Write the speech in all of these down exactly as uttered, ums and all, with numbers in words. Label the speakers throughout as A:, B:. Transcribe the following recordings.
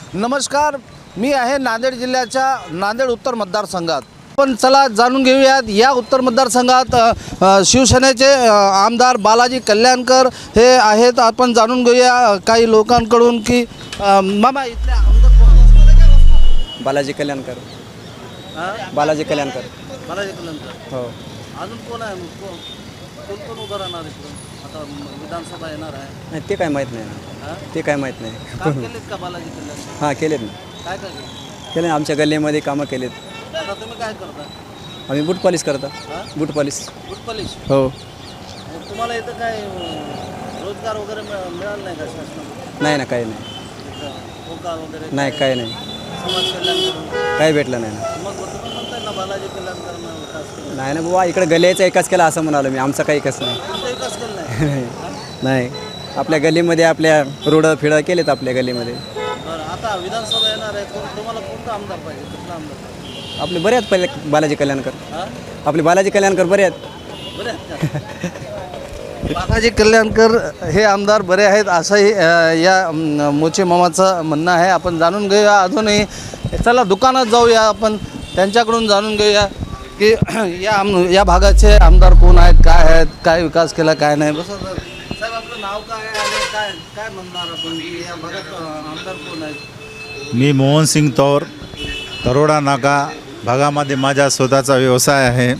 A: नमस्कार, मी आहे नांदेड जिल्ह्याच्या नांदेड उत्तर मतदारसंघात. पण चला जाणून घेऊयात या उत्तर मतदारसंघात अ, शिवसेनेचे अ, आमदार बालाजी कल्याणकर हे आहेत. आपण जाणून घेऊया काही लोकांकडून की अ, मामा इथले आमदार कोण आहेत?
B: बालाजी कल्याणकर.
A: हा?
B: बालाजी कल्याणकर.
A: बालाजी कल्याणकर.
B: हो.
A: अजून कोण आहे? कोण कोण कोण उभं राहणार इकडून? आता विधानसभा येणार आहे.
B: नाही ते काय माहीत नाही ना.
A: हा?
B: ते काय माहीत नाही.
A: काम केलेत का बालाजी कल्याणकर?
B: हां केलेत ना.
A: काय काय केलं?
B: केले आमच्या गल्लीमध्ये कामं केलेत.
A: आता तुम्ही काय करता?
B: आम्ही बूट पॉलिश करतो.
A: हा?
B: Boot polish.
A: Boot polish.
B: हो.
A: मग तुम्हाला इथं काय अं, रोजगार वगैरे मिळ- मिळाला नाही का शासनाकडून?
B: नाही ना काही नाही.
A: होकार वगैरे
B: नाही काही नाही.
A: समाज कल्याण करून
B: काही भेटलं नाही ना.
A: मग तुम्ही म्हणताय ना बालाजी कल्याणकरांना विकास केला.
B: नाही ना बाबा इकडे गल्लीचा एकाच केला असं म्हणालो मी. आमचा काही एकच नाही.
A: तुमचा विकास केला नाही.
B: नाही आपल्या गल्लीमध्ये आपल्या रोडं फिडं केलेत आपल्या गल्लीमध्ये.
A: बरं, आता विधानसभा येणार आहे. कोण- तुम्हाला कोणता आमदार पाहिजे? कुठला आमदार पाहिजे?
B: आपले बरे आहेत पहिले बालाजी कल्याणकर.
A: हा?
B: आपले बालाजी कल्याणकर बरे आहेत.
A: बरे आहेत का? बालाजी कल्याणकर हे आमदार बरे आहेत असंही अ, या अम, मोचे मामाचं म्हणणं आहे. आपण जाणून घेऊया अजूनही. चला दुकानात जाऊया, आपण त्यांच्याकडून जाणून घेऊया की या आम या भागाचे आमदार कोण आहेत, काय आहेत, काय विकास केला, काय नाही. बस साहेब, आपलं नाव काय आहे आणि काय काय म्हणणार आपण की या भागात अ, आमदार कोण आहेत?
C: मी मोहन सिंग तौर, तरोडा नाका भागामध्ये माझा स्वतःचा व्यवसाय आहे.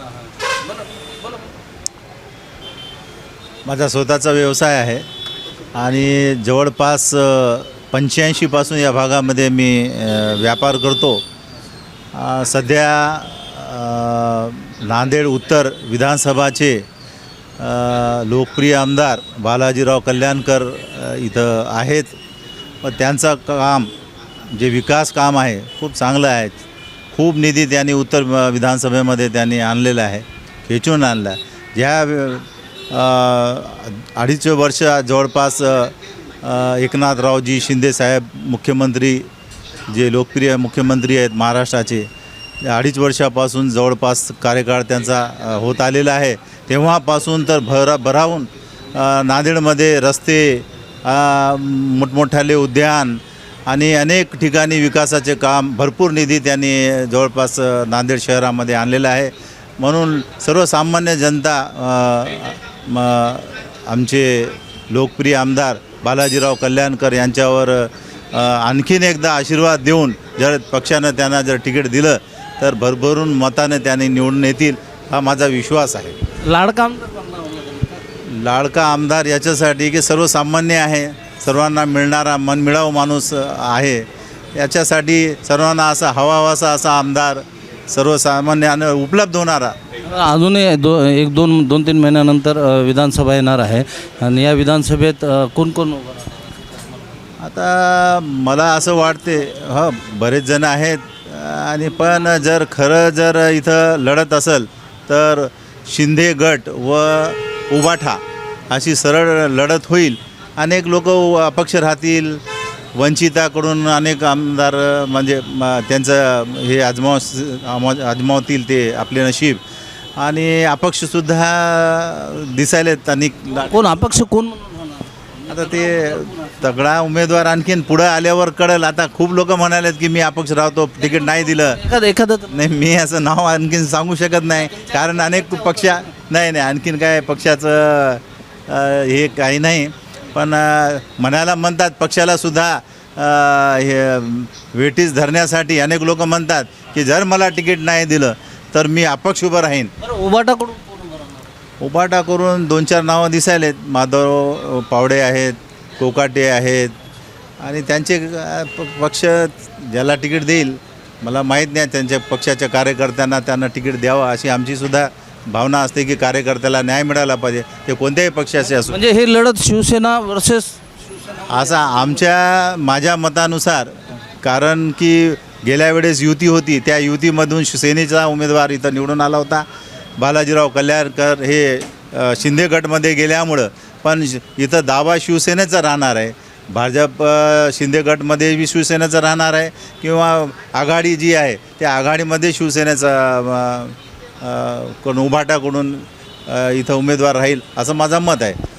C: माझा स्वतःचा व्यवसाय आहे आणि जवळपास पंच्याऐंशीपासून या भागामध्ये मी अ, व्यापार करतो. अ, सध्या अ, नांदेड उत्तर विधानसभाचे अ, लोकप्रिय आमदार बालाजीराव कल्याणकर अ, इथं आहेत. व त्यांचं काम जे विकास काम आहे खूप चांगलं आहे. खूप निधी त्यांनी उत्तर विधानसभेमध्ये त्यांनी आणलेला आहे, खेचून आणला आहे. ज्या अ, अडीच वर्ष जवळपास अ, एकनाथरावजी शिंदेसाहेब मुख्यमंत्री जे लोकप्रिय मुख्यमंत्री आहेत महाराष्ट्राचे, अडीच वर्षापासून जवळपास कार्यकाळ त्यांचा अ, होत आलेला आहे. तेव्हापासून तर भरा भरावून अ, नांदेडमध्ये रस्ते, अ, मोठमोठाले उद्यान आणि अनेक ठिकाणी विकासाचे काम, भरपूर निधी त्यांनी जवळपास अ, नांदेड शहरामध्ये आणलेला आहे. म्हणून सर्वसामान्य जनता अ, म आमचे लोकप्रिय आमदार बालाजीराव कल्याणकर यांच्यावर अ, आणखीन एकदा आशीर्वाद देऊन जर पक्षानं त्यांना जर तिकीट दिलं तर भरभरून मताने त्यांनी निवडून येतील हा माझा विश्वास आहे.
A: लाडका आमदार कोणता होता?
C: लाडका आमदार याच्यासाठी की सर्वसामान्य आहे, सर्वांना मिळणारा मनमिळावू माणूस आहे. याच्यासाठी सर्वांना असा हवाहवासा असा आमदार सर्वसामान्यानं उपलब्ध होणारा.
A: अजूनही दो एक दोन दोन तीन महिन्यानंतर अ, विधानसभा येणार आहे आणि या विधानसभेत अ, कोण कोण उभं राहणार?
C: आता मला असं वाटते, ह बरेच जण आहेत आणि पण जर खरं जर इथं लढत असेल तर शिंदे गट व उबाठा अशी सरळ लढत होईल. अनेक लोक अपक्ष राहतील, वंचिताकडून अनेक आमदार म्हणजे म- त्यांचं हे आजमाव आजमावतील ते आपले नशीब, आणि अपक्षसुद्धा दिसायलेत अनेक.
A: कोण अपक्ष कोण म्हणून होणार?
C: आता ते तगडा उमेदवार आणखीन पुढं आल्यावर कळेल. आता खूप लोक म्हणालेत की मी अपक्ष राहतो, तिकीट नाही दिलं.
A: एखादं एखादं तर-
C: नाही, मी असं नाव आणखीन सांगू शकत नाही, कारण अनेक पक्ष नाही नाही आणखीन काय पक्षाचं अ, हे काही नाही. पण अ, म्हणायला म्हणतात पक्षाला सुद्धा अ, हे वेटीस धरण्यासाठी अनेक लोक म्हणतात की जर मला तिकीट नाही दिलं तर मी अपक्ष उभं राहीन.
A: बरं, उबाटाकडून कोण उभं राहणार?
C: उबाटा करून दोन चार नावं दिसायलेत. माधव पावडे आहेत, कोकाटे आहेत आणि त्यांचे अ, प- पक्ष ज्याला तिकीट देईल, मला माहीत नाही, त्यांच्या पक्षाच्या कार्यकर्त्यांना त्यांना तिकीट द्यावं अशी आमचीसुद्धा भावना असते की कार्यकर्त्याला न्याय मिळाला पाहिजे, ते कोणत्याही पक्षाचे असो.
A: म्हणजे ही लढत शिवसेना वर्सेस
C: असा आमच्या माझ्या मतानुसार, कारण की गेल्या वेळेस युती होती, त्या युतीमधून शिवसेनेचा उमेदवार इथं निवडून आला होता. बालाजीराव कल्याणकर हे अ, शिंदे गटमध्ये गेल्यामुळं, पण श- इथं दावा शिवसेनेचा राहणार आहे. भाजप अ, शिंदे गटमध्ये बी शिवसेनेचं राहणार आहे किंवा आघाडी जी आहे त्या आघाडीमध्ये शिवसेनेचा कोण उभाटाकडून अ, इथं उमेदवार राहील असं माझं मत आहे.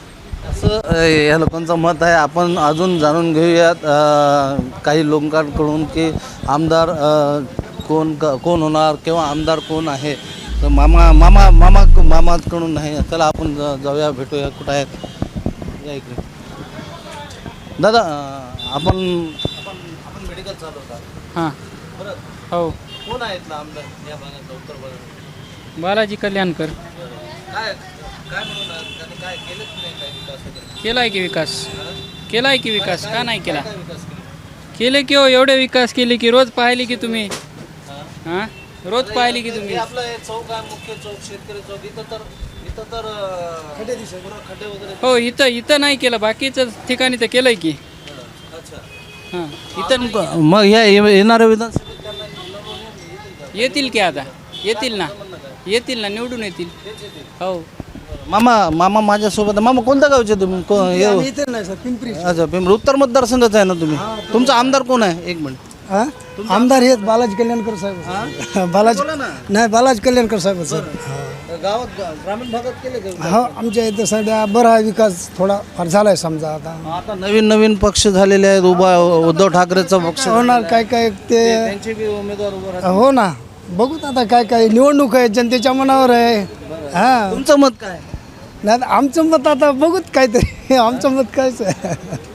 A: असं अ, या लोकांचं मत आहे. आपण अजून जाणून घेऊयात अ, काही लोकांकडून की आमदार अ, कोण क कोण होणार किंवा आमदार कोण आहे. तर मामा मामा मामा मामाकडून नाही. चला आपण ज- जाऊया भेटूया कुठं आहेत या इकडे. दादा अ, आपण आपण आपण मेडिकल चालवतात
D: हां
A: बरं.
D: हो
A: कोण आहेत ना आमदार या भागात उत्तर भागात?
D: बालाजी कल्याणकर
A: काय काय म्हणून त्यांनी काय केलंच नाही काय विकास वगैरे?
D: केला आहे की विकास केला आहे की विकास का नाही केला
A: काय विकास केला?
D: केले की हो एवढे विकास केले की रोज पाहिले की तुम्ही हां रोज पाहिले की
A: हे
D: तुम्ही
A: आपलं हे चौक आहे मुख्य चौक शेतकरी चौक इथं तर इथं तर अं, खड्डे दिसत पुरा खड्डे वगैरे.
D: हो इथं इथं नाही केलं बाकीचं ठिकाणी तर केलं आहे की
A: अच्छा
D: हां इथं
A: मग या येणाऱ्या विधानसभेत त्यांना निवडून येतील का?
D: येतील की आता येतील ना येतील ना निवडून येतील हो
A: मामा मामा माझ्यासोबत आहे. मामा कोणत्या गावचे तुम्ही को- हे-
E: इथे नाही सर पिंपरी
A: अच्छा पिंपरी उत्तर मतदारसंघाच आहे ना तुम्ही. तुमचा आमदार कोण आहे एक मिनिट.
E: हा? आमदार हेच बालाजी कल्याणकर साहेब बालाजी
A: बोला ना.
E: नाही बालाजी कल्याणकर साहेब सर
A: गावात ग्रामीण भागात केले का?
E: हो आमच्या इथं सध्या बरा आहे विकास थोडा फार झालाय समजा आता
A: आता नवीन नवीन पक्ष झालेले आहेत उभा उद्धव ठाकरेचा पक्ष
E: होणार काय काय ते
A: त्यांचे बी उमेदवार उभं राहतात.
E: हो ना बघूत आता काय काय निवडणूक आहे जनतेच्या मनावर आहे हा
A: तुमचं मत काय?
E: नाही आता आमचं मत आता बघूत काहीतरी आमचं मत कायच आहे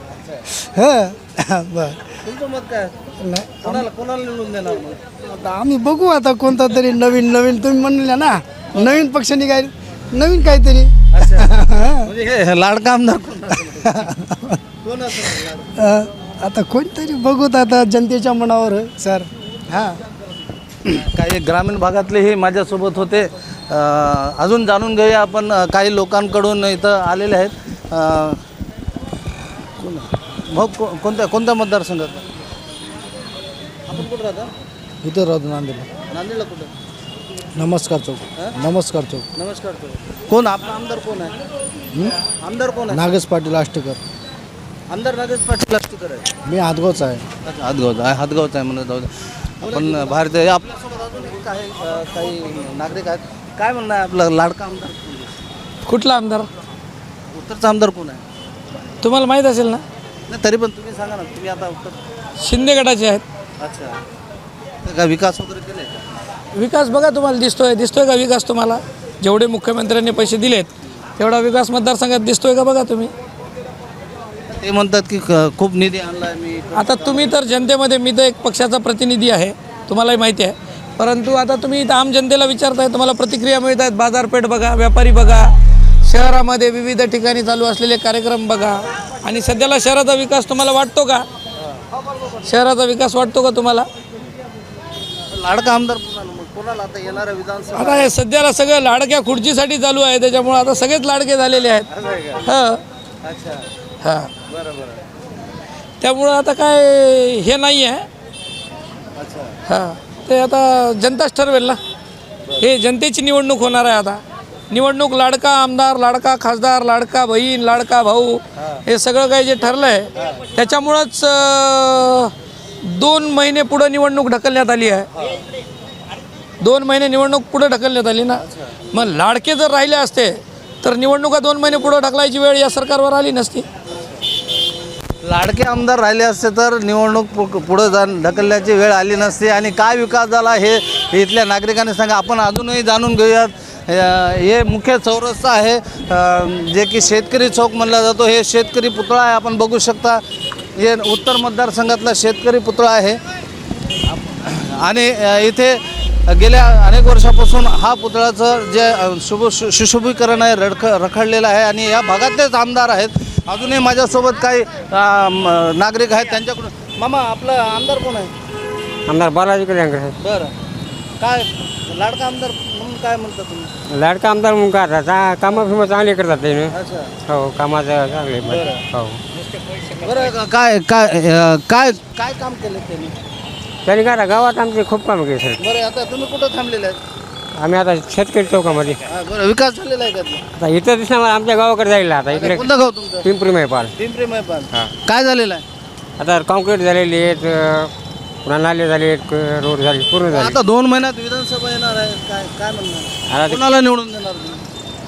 E: हां बर
A: तुमचं मत काय?
E: नाही
A: कोणाला कोणाला निवडून देणार मग?
E: आता आम्ही बघू आता कोणता तरी नवीन नवीन तुम्ही म्हणले ना नवीन पक्ष निघाल नवीन काहीतरी
A: म्हणजे हे लाडका आमदार कोण असेल? कोण असेल लाडका?
E: अ, आता कोणतरी बघूत आता जनतेच्या मनावर आहे, सर हां
A: काही ग्रामीण भागातलेही माझ्यासोबत होते. अ, अजून जाणून घेऊया आपण अ, काही लोकांकडून इथं आलेले आहेत. अ, कोण आहे? भाऊ को कोणत्या कोणत्या मतदारसंघात आपण कुठं राहता?
E: इथं राहतो नांदेडला
A: नांदेडला कुठं?
E: नमस्कार चौक नमस्कार चौक
A: नमस्कार तो कोण आपला आमदार कोण आहे? आमदार कोण आहे?
E: नागेश पाटील आष्टेकर
A: आमदार नागेश पाटील आष्टीकर आहे.
E: मी हातगावचा आहे
A: अच्छा हातगावचा आहे हातगावचा आहे म्हणून जाऊ दे. आपण भारतीय आपल्यासोबत अजून काही अ, काही नागरिक आहेत. काय म्हणणं आहे आपलं लाडका आमदार कोण आहे?
D: कुठला आमदार
A: उत्तरचा आमदार कोण आहे?
D: तुम्हाला माहीत असेल ना
A: नाही तरी पण तुम्ही सांगा ना तुम्ही आता उत्तर.
D: शिंदे गटाचे आहेत
A: अच्छा तर काय विकास वगैरे केले का?
D: विकास बघा तुम्हाला दिसतोय दिसतोय का विकास तुम्हाला जेवढे मुख्यमंत्र्यांनी पैसे दिलेत तेवढा विकास मतदारसंघात दिसतोय का बघा तुम्ही
A: ते म्हणतात की क- खूप निधी आणलाय मी.
D: आता तुम्ही तर जनतेमध्ये मी तर एक पक्षाचा प्रतिनिधी आहे तुम्हालाही माहिती आहे परंतु आता तुम्ही इथं आम जनतेला विचारताय तुम्हाला प्रतिक्रिया मिळत आहेत बाजारपेठ बघा व्यापारी बघा शहरामध्ये विविध ठिकाणी चालू असलेले कार्यक्रम बघा आणि सध्याला शहराचा विकास तुम्हाला वाटतो का शहराचा विकास वाटतो का तुम्हाला
A: लाडका आमदार कोणाला मग कोणाला आता येणाऱ्या विधानसभा
D: आता हे सध्याला सगळं लाडक्या खुर्चीसाठी चालू आहे त्याच्यामुळे आता सगळेच लाडके झालेले आहेत हां
A: अच्छा
D: हां
A: बरं बरं
D: त्यामुळं आता काय हे नाही आहे
A: अच्छा
D: हां ते आता जनताच ठरवेल ना हे जनतेची निवडणूक होणार आहे आता निवडणूक लाडका आमदार लाडका खासदार लाडका बहीण लाडका भाऊ हे सगळं काही जे ठरलं आहे त्याच्यामुळंच अं, दोन महिने पुढं निवडणूक ढकलण्यात आली आहे दोन महिने निवडणूक पुढं ढकलण्यात आली ना मग लाडके जर राहिले असते तर निवडणुका दोन महिने पुढं ढकलायची वेळ या सरकारवर आली नसती
A: लाडके आमदार राहिले असते तर निवडणूक पु- पुढं जा ढकलण्याची वेळ आली नसती. आणि काय विकास झाला हे हे इथल्या नागरिकांनी सांगा. आपण अजूनही जाणून घेऊयात. अ, हे मुख्य चौरस्ता आहे अ, जे की शेतकरी चौक म्हणला जातो. हे शेतकरी पुतळा आहे आपण बघू शकता. हे उत्तर मतदारसंघातला शेतकरी पुतळा आहे आणि अ, इथे गेल्या अनेक वर्षापासून हा पुतळ्याचं जे अ, शुभ शु सुशोभीकरण आहे रडख रखडलेलं आहे आणि या भागातलेच आमदार आहेत. अजूनही माझ्यासोबत काही अ, म, नागरिक आहेत त्यांच्याकडून. मामा आपलं आमदार कोण आहे?
F: आमदार बालाजी कल्याणकर साहेब
A: बरं काय लाडका आमदार म्हणून काय म्हणता तुम्ही?
F: लाडका आमदार म्हणून काय आता कामं फिमं चांगले करतात ते
A: अच्छा
F: हो कामाचं चांगले हो
A: बरं काय काय अ, काय काय काम केलं त्यांनी?
F: त्यांनी काय आता गावात आमचे खूप कामं केले सर
A: बरं आता तुम्ही कुठं थांबलेले आहेत?
F: आम्ही आता शेतकरी चौकामध्ये
A: हा, बरं विकास झालेला आहे का ते?
F: आता इथं दिसणार आमच्या गावाकडे जायला आता इकडे
A: कोणतं गाव तुमचं?
F: पिंपरी मैपाल
A: पिंपरी मैपाल.
F: हां
A: काय झालेलं आहे?
F: आता कॉन्क्रीट झालेली आहेत अं, पुन्हा नाले झाले आहेत रोड झाले पूर्ण झाले
A: आता दोन महिन्यात विधानसभा येणार आहे काय काय म्हणणार
F: आता ते-
A: कोणाला निवडून देणार तुम्ही?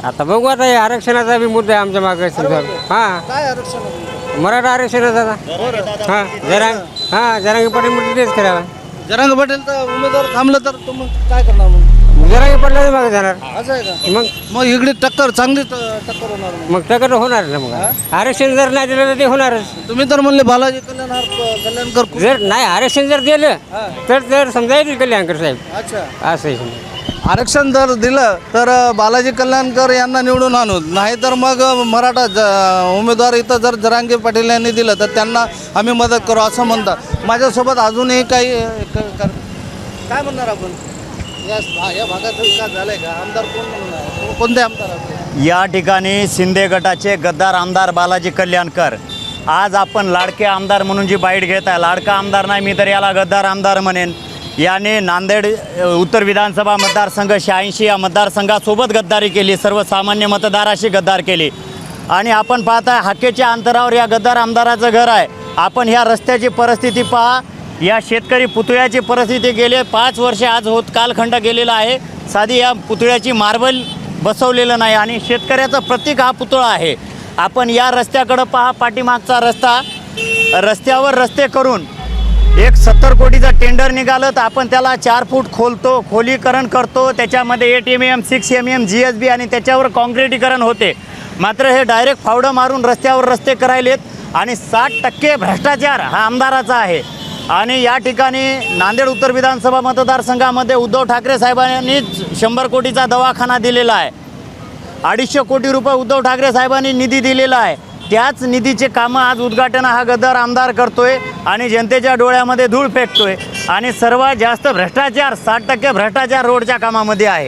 F: आता बघू आता हे आरक्षणाचा बी मुद्दा आहे आमच्या मागे समजा हां
A: काय आरक्षण आहे तुमचं?
F: मराठा आरक्षणाचा आता हां जरा हां जरांगी पाटील म्हणजे तेच करावा
A: जरांग पटेल तर उमेदवार थांबलं तर तुम्ही काय करणार मग?
F: जरांगी पाटलाच मागे जाणार
A: असं आहे का?
F: मग
A: मग इकडे टक्कर चांगली ट- टक्कर होणार मग.
F: मग टक्कर होणार ना मग आरक्षण जर नाही दिलं तर ते होणारच
A: तुम्ही तर म्हणले बालाजी कल्याण कल्याणकर खूप-
F: जर नाही आरक्षण जर दिलं तर जर समजा येतील कल्याणकर साहेब
A: अच्छा
F: असं आहे समजा.
A: आरक्षण जर दिलं तर बालाजी कल्याणकर यांना निवडून आणू नाही तर मग मराठा ज- उमेदवार इथं जर जरांगे पाटील यांनी दिलं तर त्यांना आम्ही मदत करू असं म्हणतात. माझ्यासोबत अजूनही काही अ, क- कर- काय म्हणणार आपण या या भागात विकास झालाय का? आमदार कोण म्हणणार कोणते आमदार आहेत?
G: या ठिकाणी शिंदे गटाचे गद्दार आमदार बालाजी कल्याणकर आज आपण लाडके आमदार म्हणून जी बाईट घेत आहे, लाडका आमदार नाही मी तर याला गद्दार आमदार म्हणेन. याने नांदेड अ, उत्तर विधानसभा मतदारसंघ शहाऐंशी या मतदारसंघासोबत गद्दारी केली, सर्वसामान्य मतदाराशी गद्दार केली. आणि आपण पाहताय हाकेच्या अंतरावर या गद्दार आमदाराचं घर आहे. आपण ह्या रस्त्याची परिस्थिती पहा, या शेतकरी पुतळ्याची परिस्थिती गेले पाच वर्षे आज होत कालखंड गेलेला आहे. साधी या पुतळ्याची मार्बल बसवलेलं नाही आणि शेतकऱ्याचं प्रतीक हा पुतळा आहे. आपण या रस्त्याकडं पहा, पाठीमागचा रस्ता रस्त्यावर रस्ते करून एक सत्तर कोटीचा टेंडर निघालं तर आपण त्याला चार फूट खोलतो, खोलीकरण करतो, त्याच्यामध्ये eight M M six M M G S B आणि त्याच्यावर काँक्रिटीकरण होते. मात्र हे डायरेक्ट फावडं मारून रस्त्यावर रस्ते करायलेत आणि साठ टक्के भ्रष्टाचार हा आमदाराचा आहे. आणि या ठिकाणी नांदेड उत्तर विधानसभा मतदारसंघामध्ये उद्धव ठाकरे साहेबांनीच शंभर कोटीचा दवाखाना दिलेला आहे. अडीचशे कोटी रुपये उद्धव ठाकरे साहेबांनी निधी दिलेला आहे. त्याच निधीचे कामं आज उद्घाटन हा गद्दार आमदार करतोय आणि जनतेच्या डोळ्यामध्ये धूळ फेकतोय. आणि सर्वात जास्त भ्रष्टाचार साठ टक्के भ्रष्टाचार रोडच्या कामामध्ये आहे.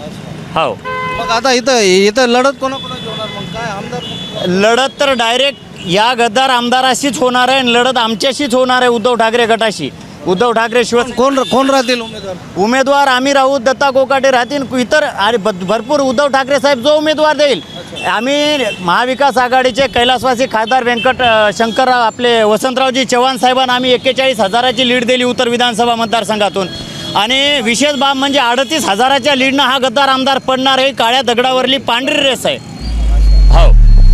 G: हो,
A: मग आता इथं इथं लढत कोणाकोणाची होणार मग काय आमदार?
G: लढत तर डायरेक्ट या गद्दार आमदाराशीच होणार आहे आणि लढत आमच्याशीच होणार आहे, उद्धव ठाकरे गटाशी. उद्धव ठाकरे शिवाय
A: कोण कोण राहतील उमेदवार?
G: उमेदवार आम्ही राहू, दत्ता कोकाटे राहतील, इतर आणि भ- भरपूर उद्धव ठाकरे साहेब जो उमेदवार देईल. आम्ही महाविकास आघाडीचे कैलासवासी खासदार व्यंकट अ, शंकरराव आपले वसंतरावजी चव्हाण साहेबांना आम्ही एक्केचाळीस हजाराची लीड दिली उत्तर विधानसभा मतदारसंघातून. आणि विशेष बाब म्हणजे अडतीस हजाराच्या लीडनं हा गद्दार आमदार पडणार आहे. काळ्या दगडावरली पांढरी रेस आहे. हो,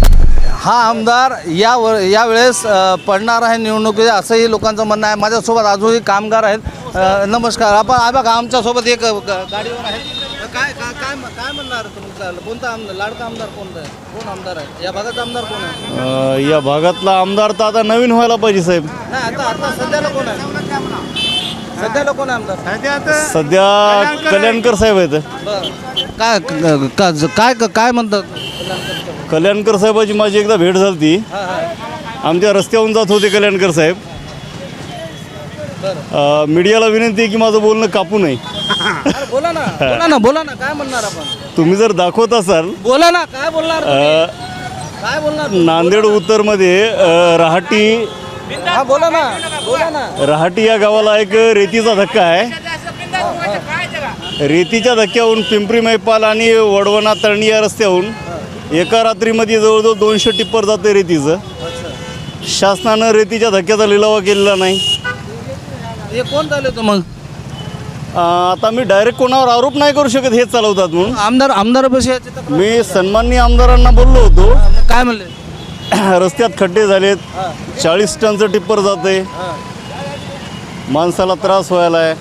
A: हा आमदार या व यावेळेस अ, पडणार आहे निवडणुकीत असंही लोकांचं म्हणणं आहे. माझ्यासोबत अजूनही कामगार आहेत. अ, नमस्कार. आपण आ बघा आमच्यासोबत एक ग- गाडीवर आहे. काय काय काय काय म्हणणार तुमचा कोणता आमदार लाडका आमदार कोणता आहे? कोण आमदार आहे या भागाचा? आमदार कोण आहे?
H: या भागातला आमदार तर आता नवीन व्हायला पाहिजे साहेब.
A: नाही आता आता सध्याला कोण आहे? सध्याला कोण आहे आमदार?
H: सध्या कल्याणकर साहेब आहेत.
A: बरं. काय क- का- काय काय म्हणतात?
H: कल्याणकर साहेबाची माझी एकदा भेट झाली ती.
A: हां हां
H: आमच्या रस्त्यावरून जात होते कल्याणकर साहेब. अ, मीडियाला विनंती आहे की माझं बोलणं कापू नये.
A: अरे बोला ना बोला ना बोला ना काय म्हणणार आपण?
H: तुम्ही जर दाखवत असाल
A: बोला ना काय बोलणार?
H: अ,
A: काय बोलणार?
H: नांदेड उत्तरमध्ये अ, रहाटी
A: हा बोला ना बोला ना.
H: रहाटी या गावाला एक रेतीचा धक्का आहे. रेतीच्या धक्क्याहून पिंपरी मैपाल आणि वडवणा तळणी या रस्त्याहून एका रात्रीमध्ये जवळजवळ दोनशे टिप्पर जाते रेतीचं. शासनानं रेतीच्या धक्क्याचा लिलावा केलेला नाही.
A: हे कोण झाले तू मग?
H: अ, आता मी डायरेक्ट कोणावर आरोप नाही करू शकत, हेच चालवतात म्हणून.
A: आमदार आमदारापाशी याची तक्रार-
H: मी सन्माननीय आमदारांना बोललो होतो.
A: मग काय म्हणले?
H: रस्त्यात खड्डे झालेत, चाळीस टनचं टिप्पर जाते, माणसाला त्रास व्हायला आहे.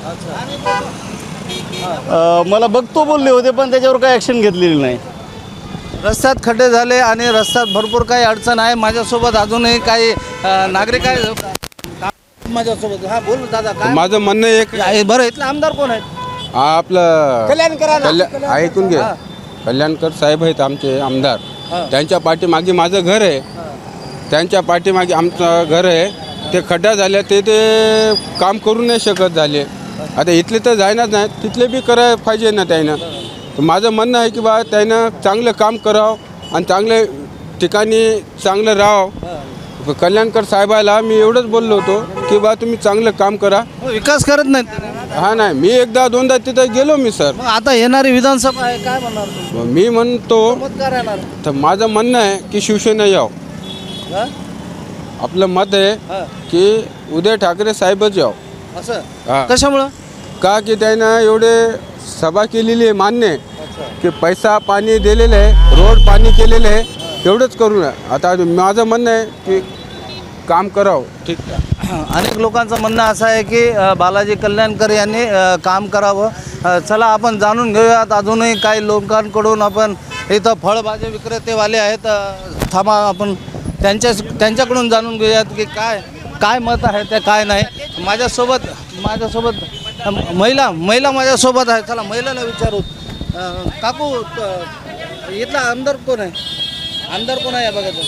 H: अ, मला बघतो बोलले होते पण त्याच्यावर काही ॲक्शन घेतलेली नाही.
A: रस्त्यात खड्डे झाले आणि रस्त्यात भरपूर काही अडचण आहे. माझ्यासोबत अजूनही काही अ, नागरिक आहे माझ्यासोबत. हा बोल दादा काय?
I: माझं म्हणणं एक
A: आहे, बरं इथले आमदार कोण आहेत?
I: हा, आपलं कल्याण ऐकून घे. कल्याणकर साहेब आहेत आमचे आमदार. त्यांच्या पाठीमागे माझं घर आहे. त्यांच्या पाठीमागे आमचं घर आहे. ते खड्डा झाले ते ते काम करू नाही शकत झाले. आता इथले तर जायनाच नाही, तिथले बी करायला पाहिजे ना त्यानं. तर माझं म्हणणं आहे की बा त्यानं चांगलं काम करावं आणि चांगल्या ठिकाणी चांगलं राहावं. कल्याणकर साहेबाला मी एवढंच बोललो होतो की बा तुम्ही चांगलं काम करा.
A: हो, विकास करत नाहीत.
I: हा नाही, मी एकदा दोनदा तिथं गेलो मी सर.
A: मग आता येणारी विधानसभा आहे काय म्हणणार तुम्ही?
I: मी म्हणतो
A: मत काय राहणार?
I: तर माझं म्हणणं आहे की शिवसेना यावं.
A: हा?
I: आपलं मत आहे
A: हा.
I: की उद्धव ठाकरे साहेबच यावं.
A: असं
I: हा.
A: कशामुळं?
I: का की त्यानं एवढे सभा केलेली आहे मान्य आहे की पैसा पाणी दिलेलं आहे, रोड पाणी केलेलं आहे, तेवढंच करू नये. आता माझं म्हणणं आहे की काम करावं.
A: ठीक आहे. अनेक लोकांचं म्हणणं असं आहे की अ, बालाजी कल्याणकर यांनी अ, काम करावं. अ, चला आपण जाणून घेऊयात अजूनही काही लोकांकडून. आपण इथं फळभाजी विक्रेतेवाले आहेत, अ, थांबा आपण त्यांच्या त्यांच्याकडून जाणून घेऊयात की काय काय मत आहे ते काय नाही. माझ्यासोबत माझ्यासोबत अ, महिला महिला माझ्यासोबत आहे. चला महिलाला विचारू. अ, काकू त- इथला आमदार कोण आहे? आमदार कोण आहे या बघा?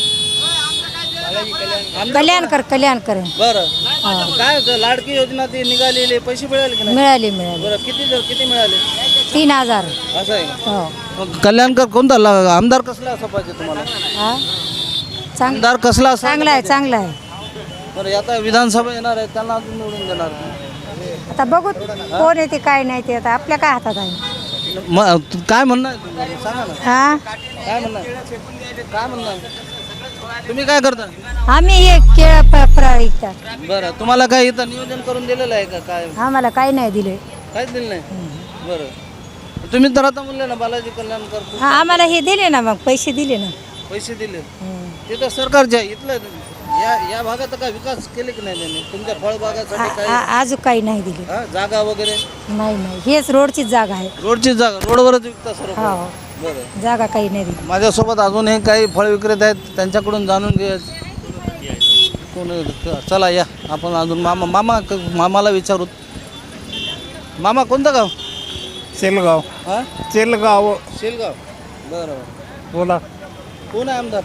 J: कल्याणकर कल्याणकर
A: बरं काय होतं? लाडकी योजना ती निघालेली, पैसे मिळाले की नाही?
J: मिळाली मिळाली
A: बरं किती किती मिळाले?
J: तीन हजार
A: असं आहे का?
J: हो
A: मग कल्याणकर कोणता ला- आमदार कसला असं पाहिजे तुम्हाला?
J: हा चांग
A: आमदार कसला असं
J: चांगला आहे चांगला आहे.
A: बरं आता विधानसभा येणार आहे, त्यांना अजून निवडून देणार.
J: आता बघू कोण येते काय नाही ते आता आपल्या काय हातात आहे.
A: मग तू काय म्हणणार तुम्ही? सांगा ना
J: हा
A: काय म्हणणार काय म्हणणार तुम्ही काय करता?
J: आम्ही हे केळ प- फळं विकतात.
A: बरं तुम्हाला काय इथं नियोजन करून दिलेलं आहे का? काय
J: आम्हाला काही नाही दिले.
A: काहीच दिलं नाही. बरं तुम्ही तर आता म्हणले ना बालाजी कल्याणकर
J: हा आम्हाला हे दिले ना, मग पैसे दिले ना.
A: पैसे दिले. ते तर सरकारचे आहे. इथलं या या भागात काय विकास केले की नाही त्यांनी तुमच्या फळबागासाठी?
J: आ-
A: काय
J: आ- अजून काही नाही दिले.
A: हा, जागा वगैरे?
J: नाही नाही हेच रोडचीच जागा आहे.
A: रोडची जागा रोडवरच विकता सर्व?
J: हो
A: बरं
J: जागा काही नाही दिली.
A: माझ्यासोबत अजूनही काही फळ विक्रेते आहेत, त्यांच्याकडून जाणून घे. कोण चला या आपण अजून मामा मामा मामाला विचारू. मामा कोणतं गाव?
B: सेलगाव
A: हा
B: सेलगाव
A: शेलगाव. बरं
B: बोला.
A: कोण आहे आमदार?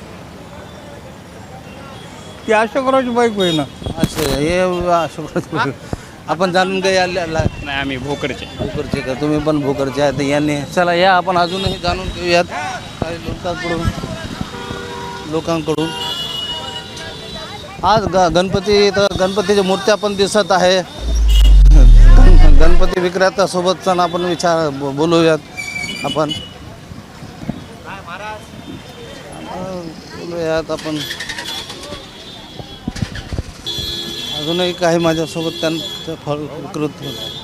B: ती अशोकरावची बाईक होई ना.
A: अच्छा हे अशोक. आपण जाणून घ्या.
B: नाही आम्ही भोकरचे.
A: भोकरचे का? तुम्ही पण भोकरचे आहेत यांनी. चला या आपण अजूनही जाणून घेऊयात काही लोकांकडून लोकांकडून आज ग गणपती तर गणपतीच्या मूर्त्या पण दिसत आहे. गण- गणपती विक्रेत्यासोबत आपण विचार ब- बोलूयात आपण बोलूयात आपण अजूनही काही माझ्यासोबत त्यांचं फळ विक्रेत.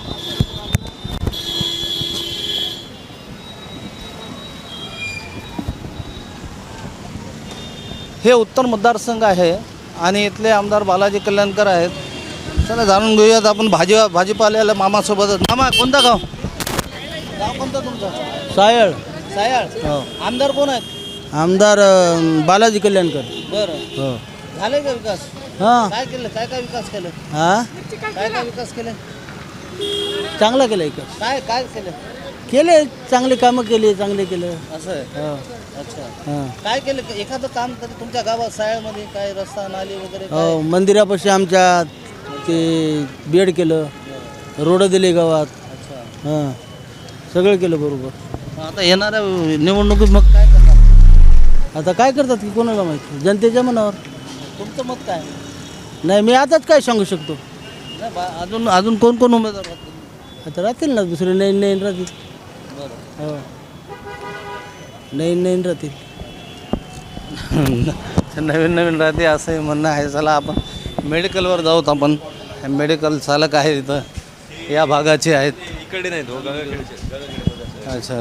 A: हे उत्तर मतदारसंघ आहे आणि इथले आमदार बालाजी कल्याणकर आहेत. चला जाणून घेऊयात आपण भाजी भाजीपाल्याला मामासोबत. मामा कोणता गाव? गाव कोणतं तुमचं?
E: सायळ
A: सायाळ. आमदार कोण आहेत?
E: आमदार बालाजी कल्याणकर.
A: बरं
E: हो
A: झाले का विकास?
E: हां
A: काय केलं? काय काय विकास केलं?
E: हां
A: काय काय विकास केले?
E: चांगला केलं का?
A: काय काय केलं?
E: केले चांगले कामं केले चांगले केलं.
A: असं आहे.
E: हो
A: अच्छा
E: हां
A: काय केलं? एखादं काम कधी तुमच्या गावात सायाळमध्ये काय रस्ता नाली वगैरे काय?
E: हो मंदिरापाशी आमच्या ते बेड केलं, रोड दिले गावात.
A: अच्छा
E: हां सगळं केलं बरोबर.
A: मग आता येणाऱ्या निवडणुकीत मग काय करणार?
E: आता काय करतात की कोणाला माहिती, जनतेच्या मनावर.
A: तुमचं मत काय?
E: नाही मी आताच काय सांगू शकतो.
A: नाही बा अजून अजून कोण कोण उमेदवार आहेत?
E: आता राहतील ना दुसरे नवीन नवीन राहतील.
A: बरं
E: हो नवीन नवीन राहतील.
A: नवीन नवीन राहते असंही म्हणणं आहे. चला आपण मेडिकलवर जाऊत. आपण मेडिकल चालक आहे इथं या भागाचे आहेत.
B: इकडे नाही तो
A: अच्छा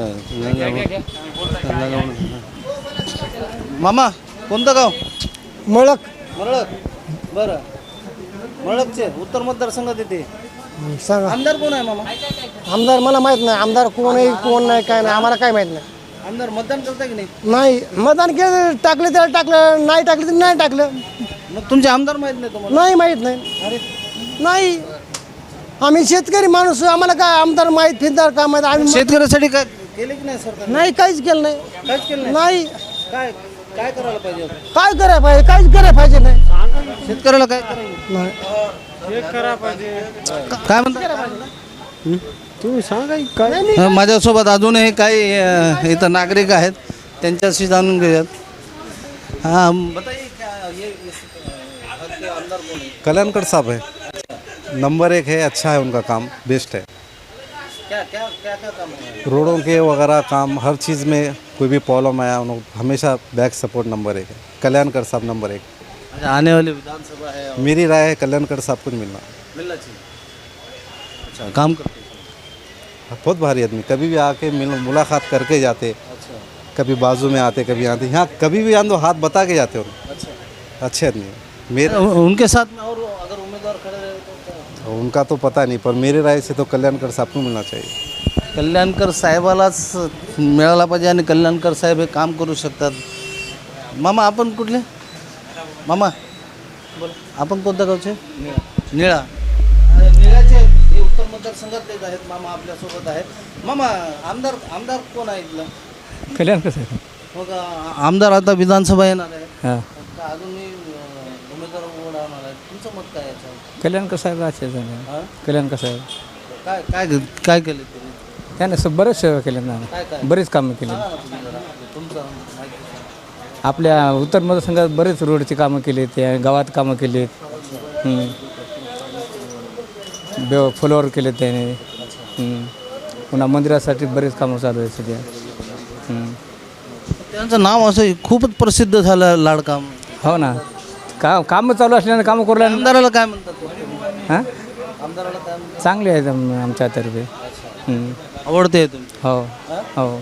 A: मामा कोणतं गाव?
E: मळक
A: मरळक. बरं मरळकचे उत्तर मतदारसंघात येते.
E: सांगा
A: आमदार कोण आहे मामा?
E: आमदार मला माहित नाही. आमदार कोण आहे कोण नाही काय नाही आम्हाला काय माहित नाही.
A: आमदार मतदान करता की नाही?
E: नाही मतदान केलं टाकले त्याला टाकलं, नाही टाकलं तर नाही टाकलं.
A: मग तुमचे आमदार माहीत नाही तुम्हाला?
E: नाही माहीत नाही.
A: अरे
E: नाही आम्ही शेतकरी माणूस, आम्हाला काय आमदार माहीत फिरदार काय माहीत. आम्ही
A: शेतकऱ्यासाठी काय केले की नाही सरकार?
E: नाही काहीच केलं नाही.
A: काहीच केलं नाही.
E: नाही
A: काय काय करायला पाहिजे?
E: काय करायला पाहिजे, काहीच करायला पाहिजे नाही.
A: शेतकऱ्याला काय करायला
E: नाही
A: काय म्हणता?
E: तुम्ही सांगा काय.
A: अ, माझ्यासोबत अजूनही काही अ, इथं नागरिक आहेत, त्यांच्याशी जाणून घेऊयात. हां बताइए क्या ये इस घर के आमदार कौन है?
K: कल्याणकर साहब है, नंबर एक है, अच्छा है उनका काम, बेस्ट है.
A: क्या क्या क्या क्या काम है?
K: रोडों के वगैरह काम, हर चीज़ में कोई भी प्रॉब्लम आया उनको हमेशा बैक सपोर्ट नंबर एक है. कल्याणकर साहब नंबर एक.
A: अच्छा, आने वाली विधानसभा है और
K: मेरी राय है कल्याणकर साहब को मिलना.
A: मिलना चाहिए. अच्छा काम करते हैं.
K: बहुत भारी आदमी, कभी भी आके मिल मुलाकात करके जाते, कभी बाजू में आते, कभी आते, यहाँ कभी भी आते तो हाथ बता के जाते उन्हें। अच्छे आदमी हैं। मेरे
A: उनके साथ में और अगर उम्मीदवार खड़े रहे तो क्या?
K: उनका तो पता नहीं, पर मेरे राय से तो कल्याणकर साहब को मिलना चाहिए।
A: कल्याणकर साहेबालाच मिळाला पाहिजे आणि कल्याणकर साहेब हे काम करू शकतात. मामा आपण कुठले? मामा बोला, आपण कोणत्या गावचे? निळा. निळाचे हे उत्तर मतदारसंघातलेच आहेत. मामा आपल्यासोबत आहेत. मामा आमदार आमदार कोण आहे इथलं?
D: कल्याणकर साहेब.
A: मग आमदार आता विधानसभा येणार आहे,
D: हां,
A: का अजूनही अं, उमेदवार उभं आहे? तुमचं मत काय याच्यावर?
D: कल्याणकर साहेब अच्छे झाले.
A: हां,
D: कल्याणकर साहेब
A: काय काय काय केलं त्यांनी?
D: त्याने स बरेच सेवा केल्या ना,
A: काय काय
D: बरीच कामं केली.
A: सांगा ना तुम्ही जरा. तुमचं माहिती सांगा.
D: आपल्या उत्तर मतदारसंघात बरेच रोडची कामं केली, त्या गावात कामं केली, फ्लोअर केले त्याने. हं. पुन्हा मंदिरासाठी बरेच कामं चालू आहेत सध्या. हं.
A: त्यांचं नाव असं खूपच प्रसिद्ध झालं, लाडका.
D: हो ना, का कामं चालू असल्याने कामं करू लागले.
A: आमदाराला काय म्हणतात?
D: हां,
A: आमदाराला काय म्हणतात?
D: चांगले आहेत आम- आमच्यातर्फे. हं.
A: आवडते तुम्ही?
D: हो हो.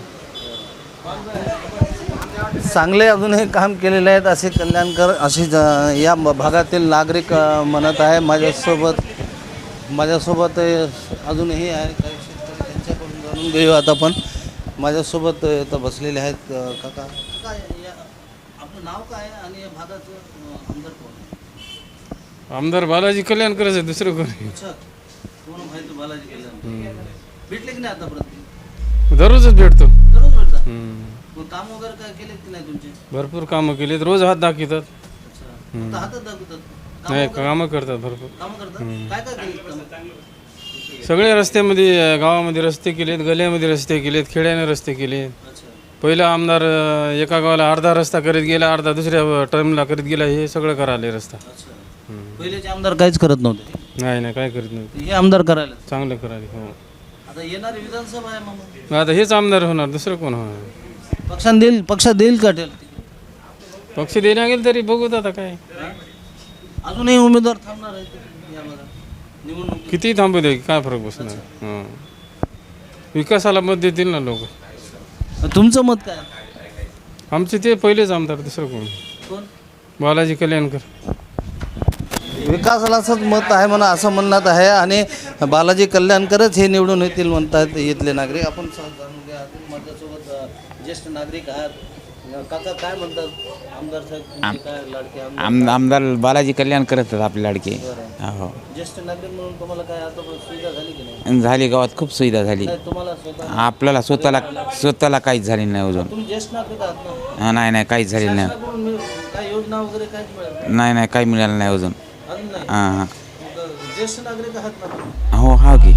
A: चांगले अजूनही काम केलेले आहेत असे कल्याणकर असे ज- या ब- भागातील नागरिक अ, म्हणत आहे. माझ्यासोबत माझ्यासोबत अ, अजूनही आहे काही शेतकरी, त्यांच्याकडून जाणून घेऊ आता. पण माझ्यासोबत अ, इथं बसलेले आहेत अ, काका. काय या आपलं नाव काय आहे आणि या भागाचं अ, आमदार कोण आहे?
F: आमदार बालाजी कल्याणकरच आहे, दुसरं कोण
A: अच्छा, तुम्हाला माहिती बालाजी कल्याण भेटले की नाही आतापर्यंत?
F: दररोजच भेटतो.
A: दररोज भेटतात. मग काम वगैरे काय केले की नाही तुमचे?
F: भरपूर कामं केलीत, रोज हात दाखवतात.
A: अच्छा, फक्त हातात दाखवतात? कामं
F: नाही,
A: वगैरे-
F: कामं करतात भरपूर.
A: कामं करतात? काय काय केले कामं?
F: सगळे रस्त्यामध्ये, गावामध्ये रस्ते केलेत, गल्ल्यामध्ये रस्ते केलेत, खेड्याने रस्ते केलेत.
A: अच्छा,
F: पहिला आमदार अं, एका गावाला अर्धा रस्ता करीत गेला, अर्धा दुसऱ्या टर्मला करीत गेला, हे सगळं करायला रस्ता.
A: अच्छा. पहिलेचे आमदार काहीच करत नव्हते,
F: नाही नाही, काय करीत नव्हते,
A: हे आमदार करायला.
F: चांगलं करायला. हो,
A: आता येणारी विधानसभा आहे मामा,
F: मग आता हेच आमदार होणार, दुसरं कोण होणार?
A: पक्षाने देईल पक्षात देईल का टेल?
F: पक्ष देण्या गेलं तरी बघूत आता काय.
A: अजूनही उमेदवार थांबणार आहेत या भागात निवडणूक?
F: किती थांबू दे, काय फरक बसणार. हां, विकासाला मत देतील ना लोक.
A: तुमचं मत काय?
F: आमचे ते पहिलेच आमदार, दुसरं कोण?
A: कोण?
F: बालाजी कल्याणकर.
A: विकासालाच मत आहे म्हणा असं म्हणण्यात आहे आणि बालाजी कल्याणकरच हे निवडून येतील म्हणतात इथले नागरिक. आपण सहज जाणून घ्या. माझ्यासोबत अ, ज्येष्ठ नागरिक आहात. काका काय म्हणतात आमदार साहेब तुमचे काय लाडके आमदार?
L: आम आमदार बालाजी कल्याण करत आहेत आपले लाडके. हो,
A: ज्येष्ठ नागरिक म्हणून तुम्हाला काय आता सुविधा झाली की नाही?
L: झाली, गावात खूप सुविधा झाली.
A: नाही, तुम्हाला स्वतः
L: आपल्याला स्वतःला स्वतःला काहीच झाली नाही अजून.
A: तुम्ही ज्येष्ठ नागरिक आहात ना?
L: हा, नाही नाही, काहीच झालेलं नाही.
A: शासनाकडून मिळ- काय योजना वगैरे काहीच मिळालं
L: नाही नाही, काही मिळालं नाही अजून.
A: अजून नाही?
L: हां हां,
A: मग ज्येष्ठ नागरिक आहात ना तुम्ही?
L: हो हा की,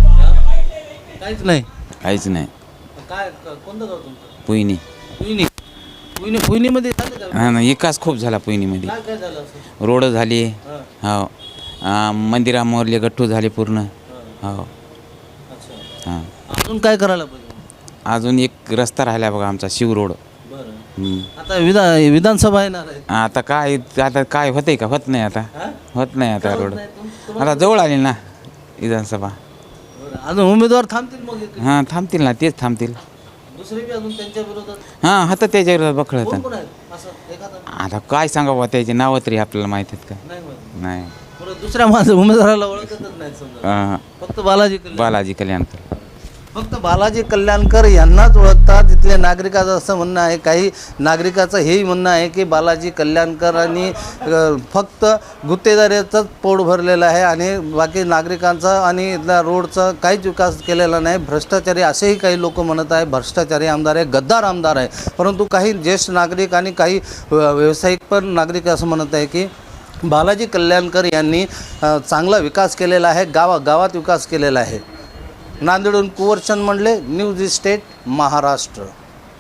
A: काहीच नाही.
L: काहीच नाही.
A: काय क- कोणतं गाव तुमचं?
L: पुईनी.
A: पुईनी. पुईनी पुईनीमध्ये झालं का?
L: हा ना, विकास खूप झाला पुईनीमध्ये.
A: काय काय झालं असं?
L: रोड झाली.
A: हां.
L: हो, मंदिरामोरले गट्टू झाले पूर्ण. हो.
A: अच्छा.
L: हां,
A: अजून काय करायला पाहिजे?
L: अजून एक रस्ता राहिला बघा आमचा, शिव रोड.
A: बरं.
L: हम्म.
A: आता विधा विधानसभा येणार आहे.
L: आता काय, आता काय होतंय का? होत नाही आता,
A: हां?
L: होत नाही आता रोड.
A: नाही, तुम- तुम्हाला-
L: आता जवळ आली ना विधानसभा.
A: बरं. अजून उमेदवार थांबतील मग इथे?
L: हां, थांबतील ना, तेच थांबतील.
A: दुसरे बी अजून त्यांच्या विरोधात
L: हां, आता त्याच्या विरोधात बखळ
A: कोण
L: होतं.
A: कोण आहेत असं एखादा?
L: आता काय सांगावं, त्याचे नावं तरी आपल्याला माहीत आहेत का?
A: नाही माहिती.
L: नाही.
A: बरं, दुसऱ्या माझ्या उमेदवाराला ओळखतच नाही समजा.
L: हां,
A: फक्त बालाजी कल्याण.
L: बालाजी कल्याणकर.
A: फक्त बालाजी कल्याणकर यांनाच ओळखतात तिथले नागरिकाचं असं म्हणणं आहे. काही नागरिकाचं हेही म्हणणं आहे की बालाजी कल्याणकरांनी अ, फक्त गुत्तेदारीचंच पोट भरलेलं आहे आणि बाकी नागरिकांचा आणि इथल्या रोडचा काहीच विकास केलेला नाही. भ्रष्टाचारी असेही काही लोक म्हणत आहे. भ्रष्टाचारी आमदार आहे, गद्दार आमदार आहे. परंतु काही ज्येष्ठ नागरिक आणि काही अ, व्यावसायिक पण नागरिक असं म्हणत आहे की बालाजी कल्याणकर यांनी अ, चांगला विकास केलेला आहे, गावा गावात विकास केलेला आहे. नांदेडहून कुंवरचंद मंडले, न्यूज इस्टेट, महाराष्ट्र.